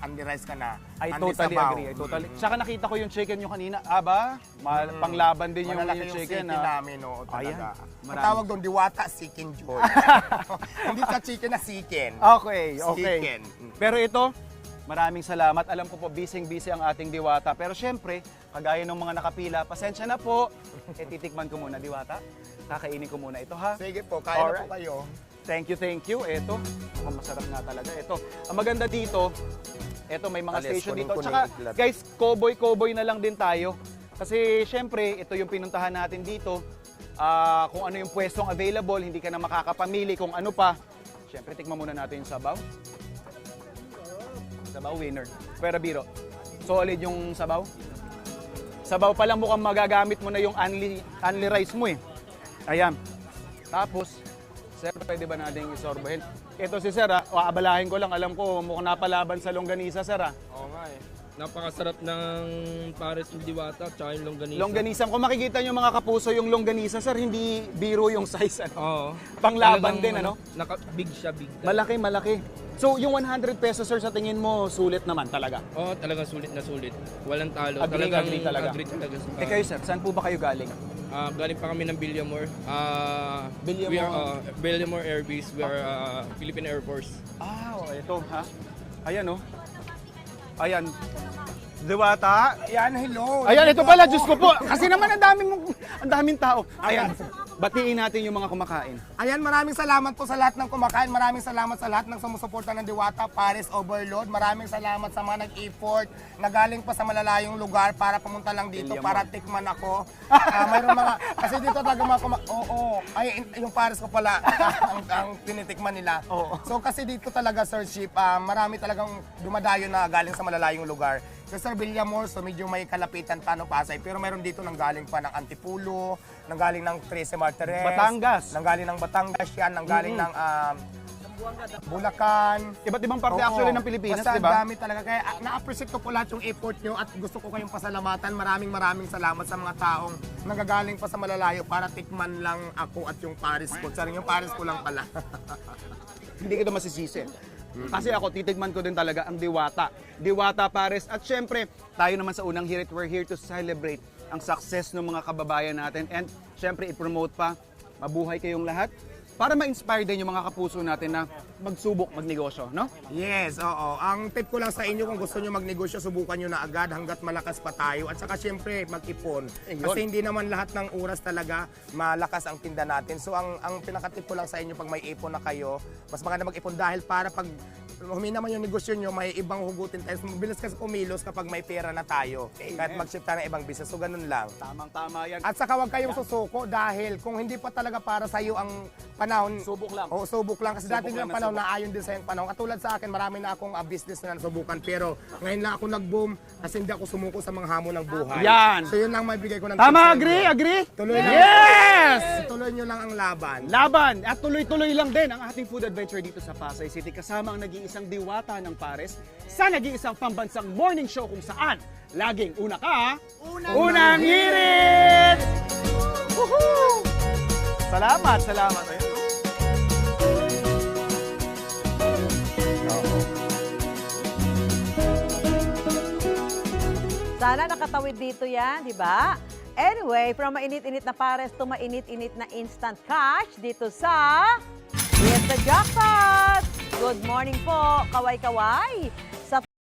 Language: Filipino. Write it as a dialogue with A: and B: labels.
A: only rice ka na.
B: I
A: only
B: totally
A: sabaw.
B: agree. I totally. Tsaka nakita ko yung chicken nyo kanina. Aba, panglaban din yung
A: Malalaki yung
B: chicken.
A: chicken namin, oo, talaga.
B: Ayan,
A: Ang tawag doon, Diwata Chicken Joy. Hindi sa chicken na chicken.
B: Okay, okay.
A: Chicken.
B: Pero ito, maraming salamat. Alam ko po, busy-busy ang ating Diwata. Pero syempre, kagaya ng mga nakapila, pasensya na po. Titikman ko muna, Diwata. Kakainin ko muna ito, ha?
A: Sige po, kaya na
B: Alright.
A: po kayo.
B: Thank you, thank you. Ito, masarap nga talaga. Ito, ang maganda dito, ito may mga
A: Alis,
B: station dito.
A: kunin-kunin
B: Tsaka,
A: iklat.
B: guys, cowboy na lang din tayo. Kasi syempre, ito yung pinuntahan natin dito. Kung ano yung pwestong available, hindi ka na makakapamili kung ano pa. Syempre, tikman muna natin yung sabaw. Sabaw winner. Pero biro, solid yung sabaw. Sabaw pa lang mukhang magagamit mo na yung only rice mo eh. Ayan. Tapos, sir, pwede ba natin isorbohin? Ito si sir, aabalahin ko lang. Alam ko, mukhang napalaban sa longganisa, sir.
C: Oo nga eh. Napakasarap ng pares ng Diwata at saka yung longganisa.
B: Longganisa. Kung makikita nyo mga kapuso, yung longganisa, sir, hindi biro yung size. Ano?
C: Oo.
B: Panglaban
C: Talagang,
B: din, ano?
C: Big siya, big.
B: Malaki, malaki. So, yung 100 pesos, sir, sa tingin mo, sulit naman talaga.
C: Oo, talagang sulit na sulit. Walang talo.
B: Agree,
C: Talagang
B: agree talaga.
C: Agree talaga.
B: Eh kayo, sir, saan po ba kayo galing?
C: Galing pa kami ng Villamor.
B: Villamor?
C: We are Villamor Air Base. We are Philippine Air Force.
B: Ito, ha? Ayan, oh. Ayan. Diwata.
A: Ayan, hello.
B: Ayan, ito pala, Diyos ko po. Kasi naman ang daming tao. Ayan, batiin natin yung mga kumakain.
A: Ayan, maraming salamat po sa lahat ng kumakain. Maraming salamat sa lahat ng sumusuporta ng Diwata, Paris Overload. Maraming salamat sa mga nag-effort na galing pa sa malalayong lugar para pumunta lang dito
B: William
A: para tikman ako. Mayroon mga, kasi dito talaga mga ay, yung Paris ko pala ang tinitikman nila.
B: Oo.
A: So kasi dito talaga, Sir Ship, marami talagang dumadayo na galing sa malalayong lugar. Sa Sir Villamor, so medyo may kalapitan pa ng Pasay, pero mayroon dito nang galing pa ng Antipulo, nang galing ng Trece Martires,
B: Batangas.
A: nang galing ng Batangas yan, nang galing ng Bulacan.
B: Iba't ibang parte
A: Oo.
B: actually ng Pilipinas,
A: Basta
B: di ba?
A: ang dami talaga. Kaya na-appreciate ko po lahat yung effort nyo at gusto ko kayong pasalamatan. Maraming salamat sa mga taong nagagaling pa sa malalayo para tikman lang ako at yung Paris ko. Saring yung Paris ko lang pala.
B: Hindi kita masisisi. Kasi ako, titigman ko din talaga ang Diwata. Diwata Pares. At syempre, tayo naman sa unang hirit, we're here to celebrate ang success ng mga kababayan natin. And syempre, i-promote pa, mabuhay kayong lahat para ma-inspire din yung mga kapuso natin na magsubok magnegosyo, no?
A: Yes, oo. Ang tip ko lang sa inyo kung gusto nyo magnegosyo, subukan nyo na agad hanggat malakas pa tayo. At saka syempre, mag-ipon. Kasi hindi naman lahat ng oras talaga malakas ang tinda natin. So ang pinakatip ko lang sa inyo, pag may ipon na kayo, mas maganda mag-ipon dahil para pag humina man yung negosyo nyo, may ibang hugutin tayo. So, mabilis kasi kumilos kapag may pera na tayo. Kahit mag-shift tayo ng ibang business. So ganun lang.
B: Tamang-tama yan.
A: At saka huwag kayong susuko dahil kung hindi pa talaga para sa iyo ang panahon,
B: Subok lang.
A: Oo, subok lang. Kasi
B: Subok
A: dati
B: lang
A: yung
B: na
A: panahon na ayon din sa yung panahon. Katulad sa akin, marami na akong business na nasubukan. Pero ngayon lang ako nag-boom kasi hindi ako sumuko sa mga hamon ng buhay.
B: Yan.
A: So yun lang maibigay ko ng
B: Tama,
A: tips sa
B: agree,
A: inyo.
B: agree?
A: Tuloy lang.
B: Yes!
A: Tuloy nyo lang ang laban.
B: Laban at tuloy-tuloy lang din ang ating food adventure dito sa Pasay City kasama ang nag-iisang Diwata ng Pares sa nag-iisang pambansang morning show kung saan laging una ka, unang hirit! Woohoo! Salamat, salamat. Ayun.
D: Sana nakatawid dito yan, di ba? Anyway, from mainit-init na Pares to mainit-init na instant cash dito sa Hit the Jackpot! Good morning po, kaway-kaway!